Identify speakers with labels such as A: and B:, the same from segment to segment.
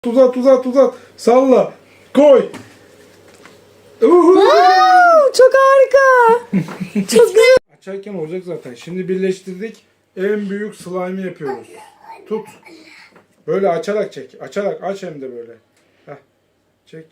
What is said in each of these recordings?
A: Uzat. Salla. Koy.
B: Çok harika. Çok güzel.
A: Açarken olacak zaten. Şimdi birleştirdik. En büyük slime'ı yapıyoruz. Tut. Böyle açarak çek. Açarak aç hem de böyle. Heh. Çek.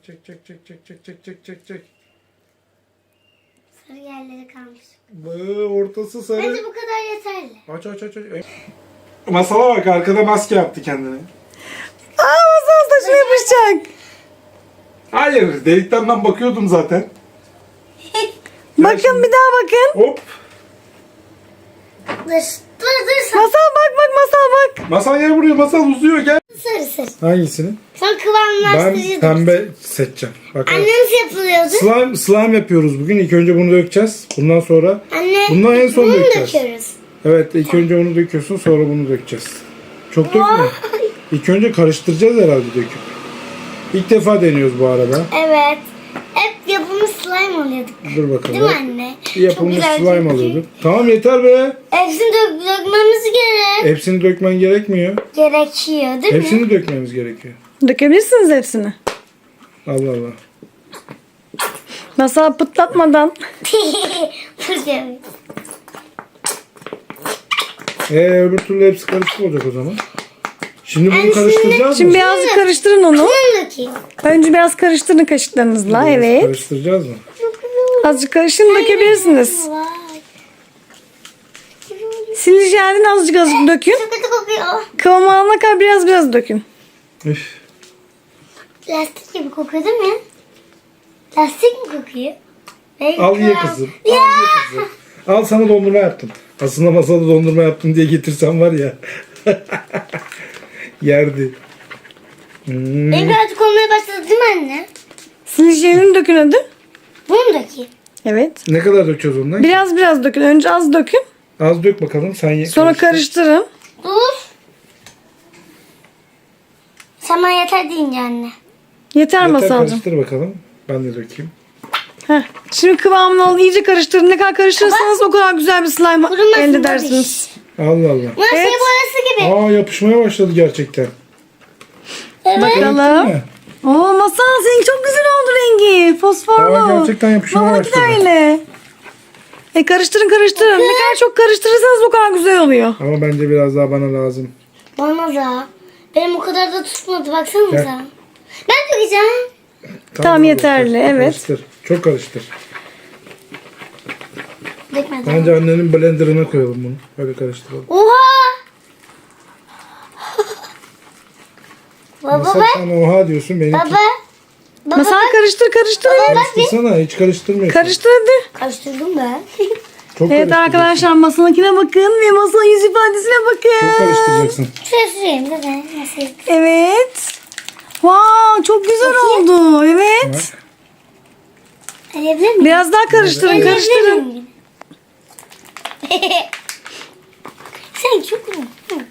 C: Sarı yerleri kalmış.
A: Ortası sarı.
C: Bence bu kadar yeterli.
A: Aç. Masala bak, arkada maske yaptı kendine.
B: Masal saçına yapışacak.
A: Hayır, delikten ben bakıyordum zaten.
B: Bakın bir daha bakın.
A: Hop.
C: Dur.
B: Masal bak masal bak.
A: Masal gel buraya, masal uzuyor, gel.
C: Sarı.
A: Hangisini?
C: Son kıvamlaştırıcı.
A: Ben pembe seçeceğim. Bakalım.
C: Annemiz yapılıyordu.
A: Slime yapıyoruz bugün. İlk önce bunu dökeceğiz. Bundan sonra
C: Anne.
A: bundan en son
C: bunu
A: dökeceğiz.
C: döküyoruz.
A: Evet, ilk önce onu döküyorsun, sonra bunu dökeceğiz. Çok dökme. İlk önce karıştıracağız herhalde döküp. İlk defa deniyoruz bu arada.
C: Evet. Hep yapımı slime alıyorduk.
A: Dur bakalım.
C: Değil mi anne?
A: Yapılmış
C: Çok güzel
A: slime
C: çünkü.
A: alıyorduk. Tamam, yeter be.
C: Hepsini dökmemiz gerek.
A: Hepsini dökmen gerekmiyor.
C: Gerekiyor değil mi?
A: Hepsini dökmemiz gerekiyor.
B: Dökebilirsiniz hepsini.
A: Allah.
B: Masal pıtlatmadan.
C: Fırçamı.
A: Öbür türlü hepsi karışık olacak o zaman. Şimdi bunu karıştıracağız
B: Şimdi
A: mı?
B: birazcık karıştırın onu.
C: Bunu dökeyim.
B: Önce biraz karıştırın kaşıklarınızla.
A: Biraz
B: Evet.
A: Karıştıracağız mı?
B: Azıcık karıştırın dökebilirsiniz.
C: Vay.
B: Silici jelden azıcık dökün.
C: Çok kötü kokuyor.
B: Kıvam alana kadar biraz dökün.
A: Üf.
C: Lastik gibi kokuyor değil mi? Lastik mi kokuyor?
A: Al ye kızım. Al, sana dondurma yaptım. Aslında masada dondurma yaptım diye getirsem var ya. Yerdi.
C: Benim birazcık olmaya başladı değil mi anne?
B: Silici jelini dökün hadi.
C: Bunu mu dökeyim?
B: Evet.
A: Ne kadar döküyoruz ondan?
B: Biraz dökün. Önce az dökün.
A: Az dök bakalım, sen ye.
B: Sonra karıştırın.
C: Dur. Sana yeter deyince anne.
B: Yeter
A: Yeter,
B: Masalcığım.
A: karıştır bakalım. Ben de dökeyim.
B: Heh. Şimdi kıvamını alın. İyice karıştırın. Ne kadar karıştırırsanız o kadar güzel bir slime
C: Kurumasın
B: elde
C: babiş.
B: edersiniz.
A: Allah.
C: Masaya
B: Evet.
C: boyası gibi.
A: Yapışmaya başladı gerçekten.
C: Evet.
B: Bakalım.
A: Değil mi?
B: Oo Masal senin çok güzel oldu rengi. Fosforlu.
A: Gerçekten yapışmaya
B: Babanınki de
A: başladı.
B: öyle. Karıştırın. Ne kadar çok karıştırırsanız o kadar güzel oluyor.
A: Ama bence biraz daha bana lazım.
C: Bana da. Benim o kadar da tutmadı baksanıza.
A: Gel.
C: Ben dökeceğim.
B: Tamam, yeterli, evet.
A: Karıştır. Çok karıştır.
C: Dökmedim.
A: Bence annenin blenderına koyalım bunu. Böyle karıştıralım.
C: Oha! Baba
A: Masal
C: bak.
A: sen oha diyorsun, benimki.
C: Baba.
B: Masal karıştır.
A: Karıştırsana, hiç karıştırmıyorsun.
B: Karıştır hadi.
C: Karıştırdım ben.
A: Çok
B: Evet
A: karıştıracaksın.
B: arkadaşlar masanınkine bakın ve masanın yüz ifadesine
A: Çok
B: bakın.
A: karıştıracaksın.
C: Şuraya süreyim de ben nasıl
B: Evet. Wow, çok güzel oldu. Evet.
C: Alabilir miyim?
B: Biraz daha karıştırın.
C: Alabilir miyim? Sen çok mu?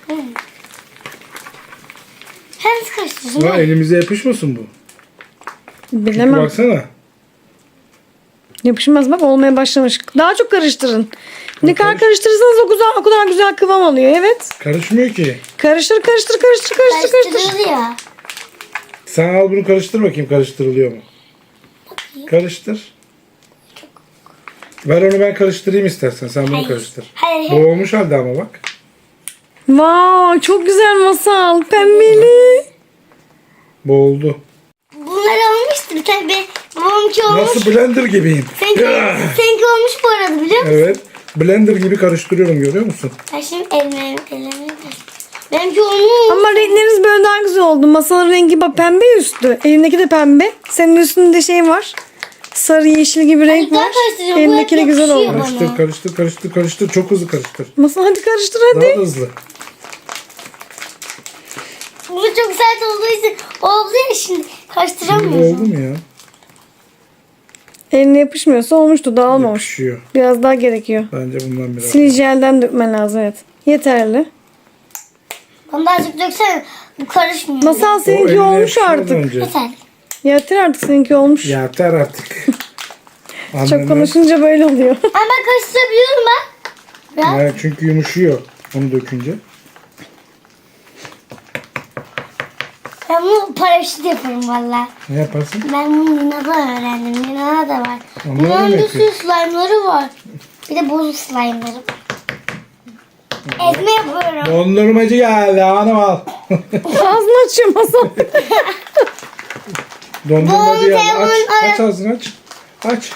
C: Sen nasıl karıştırdın?
A: Ya elimize yapışmasın bu.
B: Bilemem.
A: Baksana.
B: Yapışmaz bak, olmaya başlamış. Daha çok karıştırın. Ne kadar karıştırırsanız o kadar güzel kıvam alıyor. Evet.
A: Karışmıyor ki.
B: Karıştır.
C: Karıştırıldı ya.
A: Sen al bunu, karıştır bakayım, karıştırılıyor mu? Karıştır. Ver onu, ben karıştırayım istersen. Sen bunu karıştır.
C: Hayır.
A: Bu olmuş halde ama bak.
B: Wow, çok güzel Masal. Pembeli.
A: Bu oldu.
C: Bunlar olmuştu bir tane. Babamınki olmuş.
A: Nasıl blender gibiyim.
C: Seninki olmuş bu arada biliyor musun?
A: Evet. Blender gibi karıştırıyorum, görüyor musun?
C: Ben şimdi elime benimki olmuş.
B: Ama renkleriniz böyle daha güzel oldu. Masanın rengi bak pembe üstü. Elindeki de pembe. Senin üstünde şey var. Sarı yeşil gibi renk
C: daha
B: var.
C: karıştıracağım. Bu
B: Elindeki de
C: hep
B: güzel
C: yapışıyor
B: oldu.
C: bana.
A: Karıştır. Çok hızlı karıştır.
B: Masal hadi karıştır
A: Daha
B: hadi.
A: da hızlı.
C: Bu çok sert olduğu için oldu ya şimdi.
A: Şimdi bu
C: Karıştıramıyorum.
A: oldu mu ya?
B: Eline yapışmıyorsa olmuştu, dağılmamış.
A: Yapışıyor.
B: Biraz daha gerekiyor.
A: Bence bundan biraz.
B: Silici jelden dökmen lazım, evet. Yeterli.
C: Onu da azıcık döksene. Bu karışmıyor.
B: Masal
A: O
B: seninki
A: eline
B: olmuş
A: yapışmadan
B: artık.
A: önce.
C: Yeter.
B: Yeter artık, seninki olmuş.
A: Yeter artık.
B: Çok konuşunca böyle oluyor.
C: Ama ben karıştırabiliyorum bak. Biraz.
A: Evet, çünkü yumuşuyor onu dökünce.
C: Ben bunu paraşüt yaparım valla.
A: Ne yaparsın?
C: Ben bunu Lina'da öğrendim. Lina'da da var.
A: Onlar
C: Lina'nın
A: ne
C: bir sürü slime'ları var. Bir de bozuk slime'ları var. Ezme yapıyorum.
A: Dondurmacı geldi hanım al.
B: Ağzını açıyor masal.
A: Dondurmacı geldi. Aç,
C: Bonbon,
A: aç ağzını aç. Aç.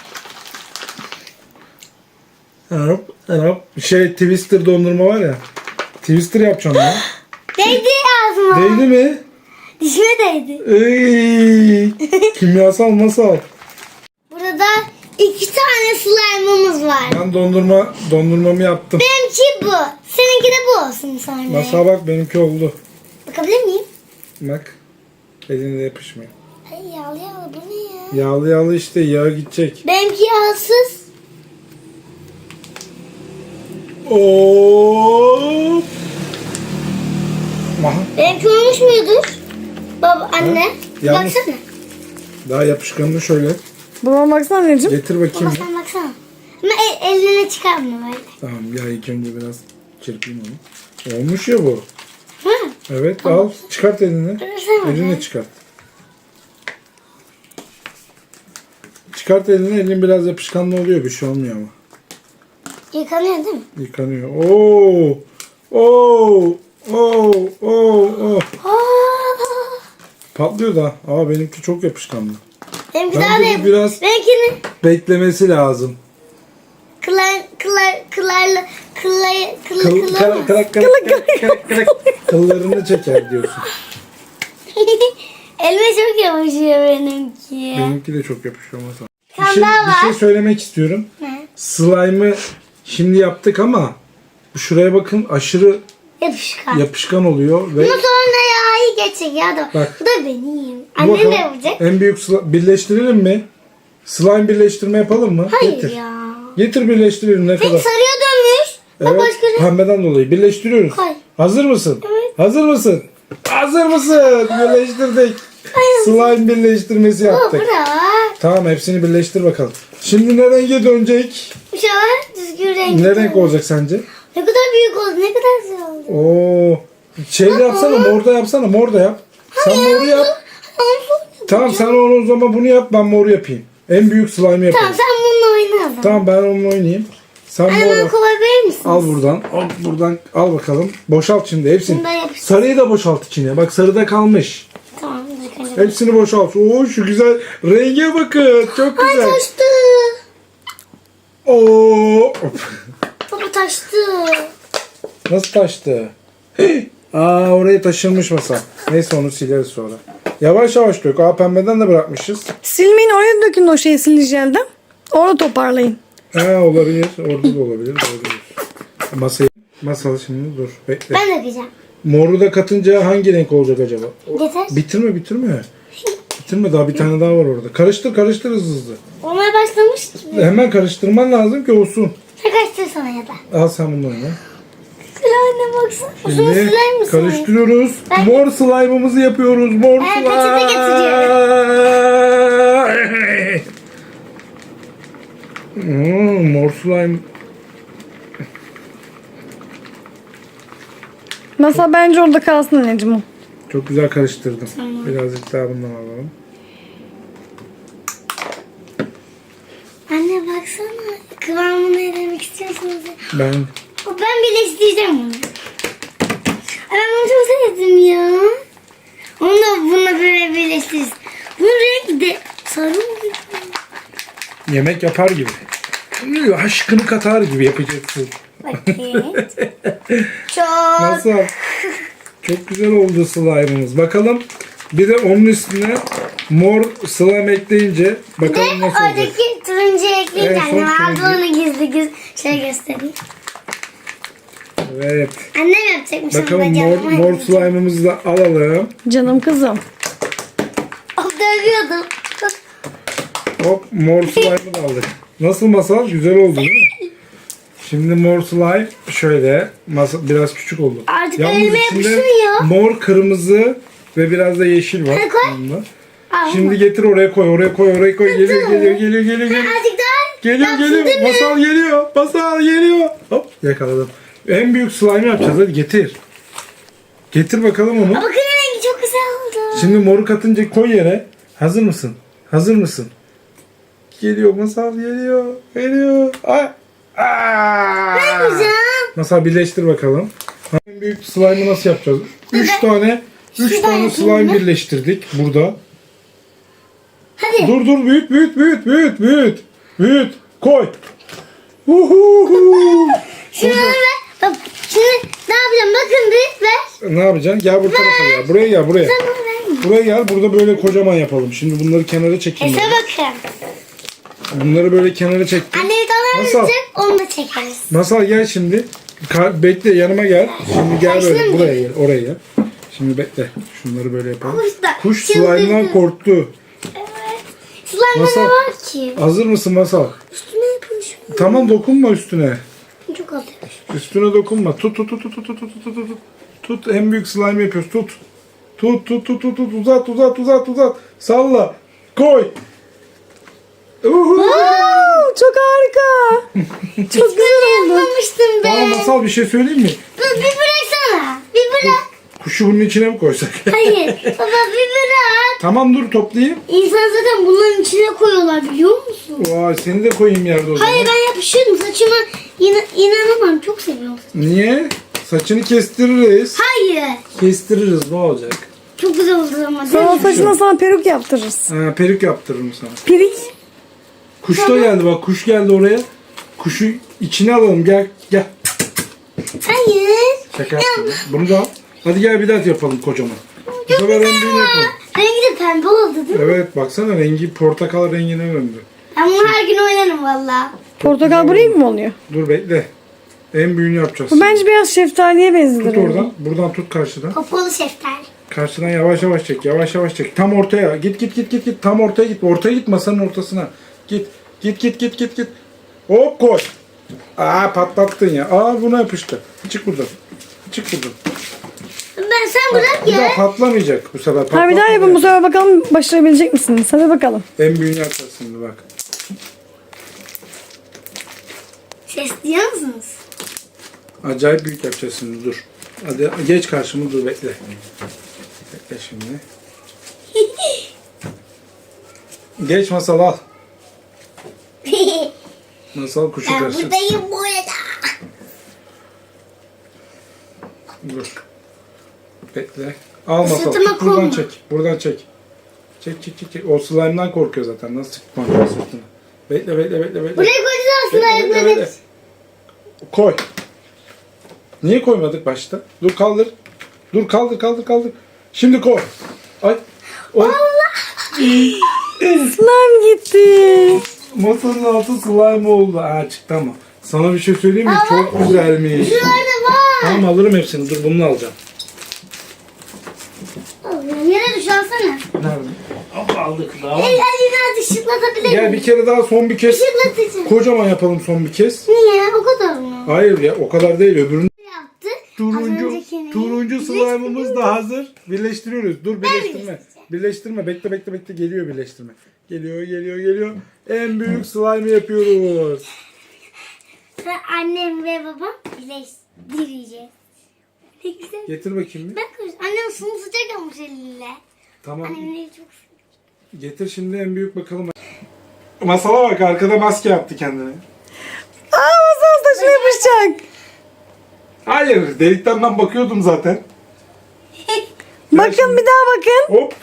A: Hop, hop. Twister dondurma var ya. Twister yapacağım ya.
C: Değdi ağzıma.
A: Değdi mi?
C: Dişime değdi.
A: Ey, kimyasal masal.
C: Burada 2 tane slime'ımız var.
A: Ben dondurmamı yaptım.
C: Benimki bu. Seninki de bu olsun sonra.
A: Masal bak benimki oldu.
C: Bakabilir miyim?
A: Bak. Eline yapışmıyor.
C: Ay yağlı yağlı bu ne ya?
A: Yağlı yağlı işte yağ gidecek.
C: Benimki yağsız.
A: Oo. Aha,
C: Benimki olmuş mudur? Baba anne.
A: Ha? Yalnız-
C: Baksana.
A: daha yapışkanını şöyle
B: Babama baksana anneciğim.
A: getir bakayım.
C: Baba sen baksana. Ama eline çıkarma böyle.
A: Tamam ya ilk önce biraz çırpayım onu. Olmuş ya bu.
C: Hı?
A: Evet al çıkart elini.
C: Dursana
A: Elinle
C: be.
A: çıkart. Çıkart elini, elin biraz yapışkanlı oluyor, bir şey olmuyor ama.
C: Yıkanıyor değil mi?
A: Yıkanıyor. Oo! Oo! Oo! Oo!
C: Aa,
A: Patlıyor da. Aa benimki çok yapışkanlı.
C: benimki
A: Bence
C: daha da
A: bu
C: yap.
A: biraz-
C: Benimkinin
A: Beklemesi lazım. Kıllarını çeker diyorsun.
C: Elime çok yapışıyor benimki.
A: Benimki de çok yapışıyor masal.
C: Sen daha
A: Bir
C: var.
A: şey söylemek istiyorum.
C: Ne?
A: Slime'ı şimdi yaptık ama şuraya bakın aşırı
C: Yapışkan.
A: yapışkan oluyor ve
C: Bunu sonra yağı geçecek ya da.
A: Bak.
C: Bu da benim.
A: Bu
C: Annem de
A: bakalım,
C: yapacak.
A: en büyük birleştirelim mi? Slime birleştirme yapalım mı?
C: Hayır
A: Getir.
C: ya.
A: Getir birleştirelim ne kadar.
C: Peki sarıya dönmüş. Bak
A: Evet,
C: başka renk.
A: pembeden dolayı birleştiriyoruz.
C: Hayır.
A: Hazır mısın?
C: Evet.
A: Hazır mısın? Hazır mısın? Birleştirdik. Slime birleştirmesi
C: Baba
A: yaptık.
C: bırak.
A: Tamam hepsini birleştir bakalım. Şimdi ne renge dönecek?
C: İnşallah düzgün renk.
A: Ne renk olacak sence?
C: Ne kadar büyük oldu. Ne kadar güzel oldu.
A: Oo. Şey de yapsana, mor da yapsana, mor da yap. Sen moru yap. Tamam sen onu o zaman bunu yap, ben moru yapayım. En büyük slime'ı yapayım.
C: Tamam sen bununla oyna o zaman.
A: Tamam ben onunla oynayayım. Sen
C: Anne
A: mor
C: bana
A: yap.
C: kolay verir misin?
A: Al buradan. Al buradan. Al bakalım. Boşalt şimdi hepsini.
C: Bunu da yapıştır.
A: Sarıyı da boşalt içine. Bak sarıda kalmış.
C: Tamam. Yıkanacak.
A: Hepsini boşalt. Oo şu güzel renge bakın. Çok
C: Ay
A: güzel.
C: taştı.
A: Oo.
C: Baba taştı.
A: Nasıl taştı? Aa oraya taşınmış masa. Neyse onu sileriz sonra. Yavaş yavaş dök. Aa pembeden de bırakmışız.
B: Silmeyin, oraya dökün o şeyi silicelden. Orada toparlayın.
A: Ha olabilir. Orada da olabilir. Olabilir. Masal şimdi dur. Bekle.
C: Ben dökeceğim.
A: Moru da katınca hangi renk olacak acaba?
C: Yeter.
A: Bitirme. Bitirme daha bir tane daha var orada. Karıştır hızlı.
C: Olmaya başlamış gibi.
A: Hemen karıştırman lazım ki olsun.
C: Sen karıştırsana ya da.
A: Al sen bunu oyna.
C: Sıra anne baksana. Şunu
A: Şimdi
C: siler misin?
A: karıştırıyoruz.
C: Ben-
A: Mor slime'ımızı yapıyoruz. Mor
C: Ben
A: slime.
C: peçete
A: Mor slime.
B: Masa bence orada kalsın anneciğim o.
A: Çok güzel karıştırdım. Birazcık daha bundan alalım.
C: Anne baksana. Kıvamını ne demek istiyorsunuz?
A: Ben
C: Ben birleştireceğim bunu. Ay, ben bunu çok sevdim ya. Onu da bununla böyle birleştiririz. Bunun rengi de sarı mı?
A: yemek yapar gibi. Aşkını katar gibi yapacaksın.
C: Bakayım. Çok.
A: Nasıl? Çok güzel oldu slime'ımız. Bakalım bir de onun üstüne mor slime ekleyince
C: Bir de
A: bakalım nasıl olacak.
C: oradaki turuncu ekleyince
A: Evet, son
C: annem aldı
A: turuncu.
C: onu gizli şey göstereyim.
A: Evet.
C: Annem yapacakmış.
A: Bakalım
C: ama
A: mor,
C: canım
A: mor
C: acıdı.
A: slime'ımızı da alalım.
B: Canım kızım.
C: Oh, dövüyordum.
A: Hop mor slime'ı da aldık. Nasıl masal? Güzel oldu değil mi? Şimdi mor slime şöyle biraz küçük oldu.
C: Artık
A: Yalnız
C: elime
A: içinde
C: yapışmıyor.
A: mor, kırmızı ve biraz da yeşil var.
C: Hadi koy.
A: Yanında.
C: Al
A: Şimdi
C: bunu.
A: getir oraya koy. Geliyor.
C: Azıcık daha.
A: Geliyor.
C: Yapsın değil mi?
A: Masal geliyor. Hop yakaladım. En büyük slime yapacağız. Hadi getir. Getir bakalım onu.
C: Bakın rengi çok güzel oldu.
A: Şimdi moru katınca koy yere. Hazır mısın? Hazır mısın? Geliyor Masal geliyor. Geliyor. Ay. Aa!
C: Ne yapacağım?
A: Masal birleştir bakalım. En büyük slime'ı nasıl yapacağız? 3 tane
C: Şuradan
A: tane
C: yapayım
A: slime
C: mı?
A: birleştirdik burada.
C: Hadi.
A: Dur büyüt. Koy. Uhuhu.
C: Şunları ver. Bak şimdi ne yapacağım? Bakın bir ver.
A: Ne yapacaksın? Gel bu tarafa gel. Buraya gel buraya.
C: Sen bana verme.
A: Buraya gel. Burada böyle kocaman yapalım. Şimdi bunları kenara çekeyim.
C: Ese
A: ben.
C: bakın.
A: Bunları böyle kenara çektim.
C: Anne bir tane
A: Masal.
C: verecek onu da çekeriz.
A: Masal gel şimdi. Bekle yanıma gel. Şimdi gel böyle
C: Başlayayım mı?
A: buraya gel. Oraya gel. Şimdi bekle. Şunları böyle yapalım.
C: Kuş da
A: Kuş
C: çıldırdı.
A: slime'dan korktu.
C: Evet. Slime'da
A: Masal.
C: ne var ki?
A: Hazır mısın Masal?
C: Üstüne yapılmış.
A: Tamam dokunma üstüne.
C: Çok az yapmış.
A: Üstüne dokunma. Tut. Tut en büyük slime yapıyoruz. Tut. Tut. Uzat. Salla. Koy. Uhu.
B: Wow, çok harika. Çok güzel oldu.
C: Yapmamıştım
A: Tamam
C: ben.
A: Masal bir şey söyleyeyim mi?
C: Dur bir bıraksana. Bir bırak.
A: Kuşu bunun içine mi koysak?
C: Hayır. Baba bir bırak.
A: Tamam dur toplayayım.
C: İnsan zaten bunların içine koyuyorlar biliyor musun?
A: Vay seni de koyayım yerde o zaman.
C: Hayır ben yapışıyordum saçıma inanamam çok seviyorum.
A: Niye? Saçını kestiririz.
C: Hayır.
A: Kestiririz ne olacak?
C: Çok güzel oldu ama değil
B: Sana
C: mi?
B: saçına sana peruk yaptırırız.
A: Perik yaptırırım sana.
B: Pirik.
A: Kuş da geldi bak kuş geldi oraya. Kuşu içine alalım gel.
C: Hayır.
A: Şaka yaptım. Bunu da al. Hadi gel bir daha yapalım kocaman. Bu
C: Çok
A: sefer
C: güzel
A: en büyüğünü
C: ama.
A: yapalım.
C: Rengi de pembe oldu değil mi?
A: Evet baksana rengi portakal rengine döndü.
C: Ben bunu her gün oynarım valla.
B: Portakal bu renk mi oluyor?
A: Dur bekle. En büyüğünü yapacağız.
B: Bu bence biraz şeftaliye benziyor.
A: Tut oradan. Buradan tut karşıdan.
C: Kapalı şeftali.
A: Karşıdan yavaş yavaş çek. Yavaş yavaş çek. Tam ortaya. Git. Tam ortaya git. Ortaya git masanın ortasına. Git. Hop koy. Aa patlattın ya. Aa buna yapıştı. Çık buradan.
C: Sen bırak
A: Bir daha
C: ya.
A: patlamayacak bu sefer.
B: Ha bir daha
A: Patlatmayacak.
B: yapın bu sefer bakalım başarabilecek misiniz? Hadi bakalım.
A: En büyüğünü yapacağız şimdi bak.
C: Ses duyuyor musunuz?
A: Acayip büyük yapacağız şimdi dur. Hadi geç karşıma dur bekle. Bekle şimdi. Geç masal al. Masal kuşu
C: Ben
A: karşı.
C: buradayım bu arada.
A: Dur. Bekle. Al masal.
C: Sırtıma
A: Tut, buradan
C: konma.
A: çek. Buradan çek. Çek. O slime'dan korkuyor zaten. Nasıl çıkmak sırtına. Bekle.
C: Buraya koyacağız aslında ayakları.
A: Bekle. Koy. Niye koymadık başta? Dur kaldır. Dur kaldır. Şimdi koy. Ay. Oy.
B: Slime gitti.
A: Masanın altı slime oldu. Aa çıktı ama. Sana bir şey söyleyeyim mi? Çok güzelmiş.
C: Şurada var.
A: Tamam alırım hepsini. Dur bunu alacağım.
C: Yere düş alsana.
A: Nerede? Aldık daha.
C: Elini ışıklatabilir
A: Gel
C: miyim?
A: bir kere daha son bir kez.
C: Işıklatıcı.
A: Kocaman yapalım son bir kez.
C: Niye? O kadar mı?
A: Hayır ya o kadar değil öbürünü.
C: Yaptı. Az
A: Turuncu
C: öncekini
A: slime'ımız da hazır. Birleştiriyoruz. Dur birleştirme.
C: birleştireceğim.
A: Birleştirme. Bekle. Geliyor birleştirme. Geliyor. En büyük slime yapıyoruz.
C: Ve annem ve babam birleştireceğiz. Ne güzel.
A: Getir bakayım bir.
C: Bak annem sunu sıcak almış eliyle.
A: Tamam.
C: Annem eli çok
A: Getir şimdi en büyük bakalım. Masala bak arkada maske yaptı kendine.
B: Aa masal saçına yapışacak.
A: Hayır delikten ben bakıyordum zaten.
B: Bakın bir daha bakın.
A: Hop.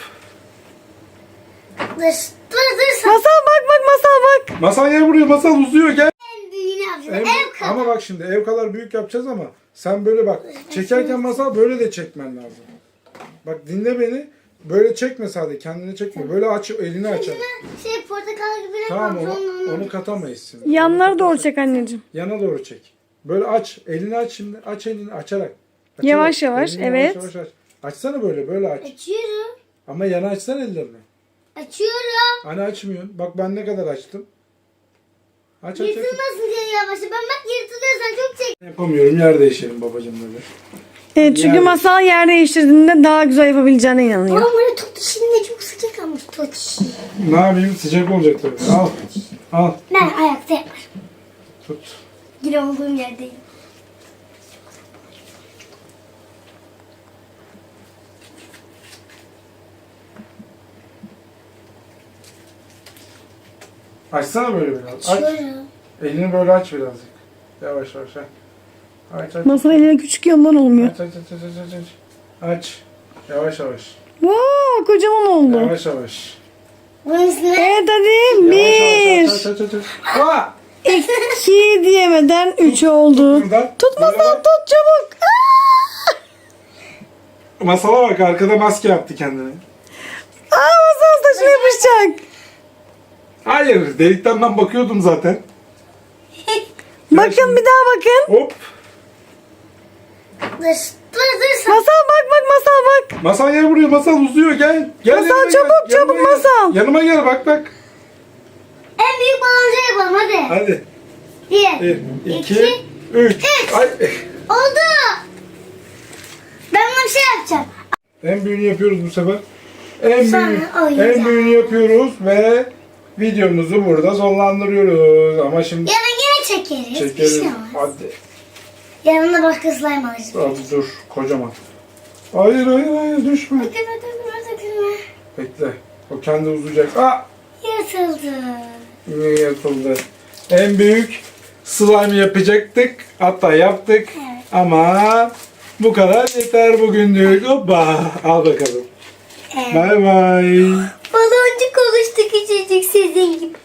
C: Dur sen
B: Masal bak masal bak.
A: Masal gel buraya masal uzuyor gel.
C: en büyüğünü yapacağız.
A: Ev-
C: Ev kadar.
A: ama bak şimdi ev kadar büyük yapacağız ama sen böyle bak. Çekerken masal böyle de çekmen lazım. Bak dinle beni. Böyle çekme sadece kendini çekme. Böyle aç elini açar.
C: Şey portakal gibi ne
A: Tamam
C: yapalım?
A: onu katamayız şimdi.
B: Yanlara doğru çek anneciğim.
A: Yana doğru çek. Böyle aç. Elini aç şimdi. Aç elini açarak.
B: Yavaş yavaş,
A: Elini
B: evet.
A: Yavaş aç. Açsana böyle aç.
C: Açıyorum.
A: Ama yana açsana ellerini.
C: Açıyorum.
A: Hani açmıyorsun. Bak ben ne kadar açtım. Aç.
C: Yırtılmasın diye yavaşça. Ben bak yırtılıyorsan çok çek.
A: Yapamıyorum. Yer değişelim babacığım böyle.
B: Evet çünkü
A: Yani-
B: masal yer değiştirdiğinde daha güzel yapabileceğine inanıyor.
C: Ama böyle tut şimdi çok sıcak almış tut.
A: Ne yapayım? Sıcak olacak tabii. Al.
C: Ben ayakta yaparım.
A: Tut.
C: Yine olduğum yerdeyim.
A: Açsana böyle biraz. Aç.
C: Açıyorum.
A: Elini böyle aç birazcık. Yavaş yavaş. Aç.
B: Masal elleri küçük ya ondan olmuyor.
A: Aç. Yavaş yavaş.
B: Wow, kocaman oldu.
A: Yavaş yavaş.
C: Bunun üstüne
B: Evet hadi.
A: Yavaş.
B: Bir,
A: Aç. Aa!
B: iki diyemeden üç oldu.
A: Buradan.
B: Tut
A: Böyle
B: Masal
A: bak.
B: tut çabuk. Aa!
A: Masala bak, arkada maske yaptı kendine.
B: Masal saçına yapışacak.
A: Hayır, delikten ben bakıyordum zaten.
B: Bakın bir daha bakın.
A: Hop.
C: dur sen.
B: Masal bak Masal bak.
A: Masal gel buraya, masal uzuyor, gel. Gel
B: Masal,
A: yanıma
B: çabuk,
A: gel.
B: çabuk
A: Yanıma gel.
B: Masal.
A: Yanıma gel, bak.
C: En büyük baloncu yapalım hadi.
A: Hadi.
C: Bir.
A: 1, 2, 3. Ay.
C: Oldu. Ben buna bir şey yapacağım.
A: En büyüğünü yapıyoruz bu sefer. En
C: Sonra oyuncak.
A: büyüğünü yapıyoruz ve videomuzu burada sonlandırıyoruz. Ama şimdi
C: Yarın yine çekeriz. Bir
A: çekeriz.
C: şey olmaz.
A: Hadi.
C: Yarın da başka slime alacağız.
A: Hadi dur, kocaman. Hayır, düşme.
C: Dökülme.
A: Bekle. O kendi uzayacak. Aa!
C: Yırtıldı.
A: Yine yırtıldı. En büyük slime yapacaktık. Hatta yaptık.
C: Evet.
A: Ama bu kadar yeter bugünlük. Hoppa. Al bakalım.
C: Evet.
A: Bay bay.
C: Baloncuk oluştu küçücük sizin gibi.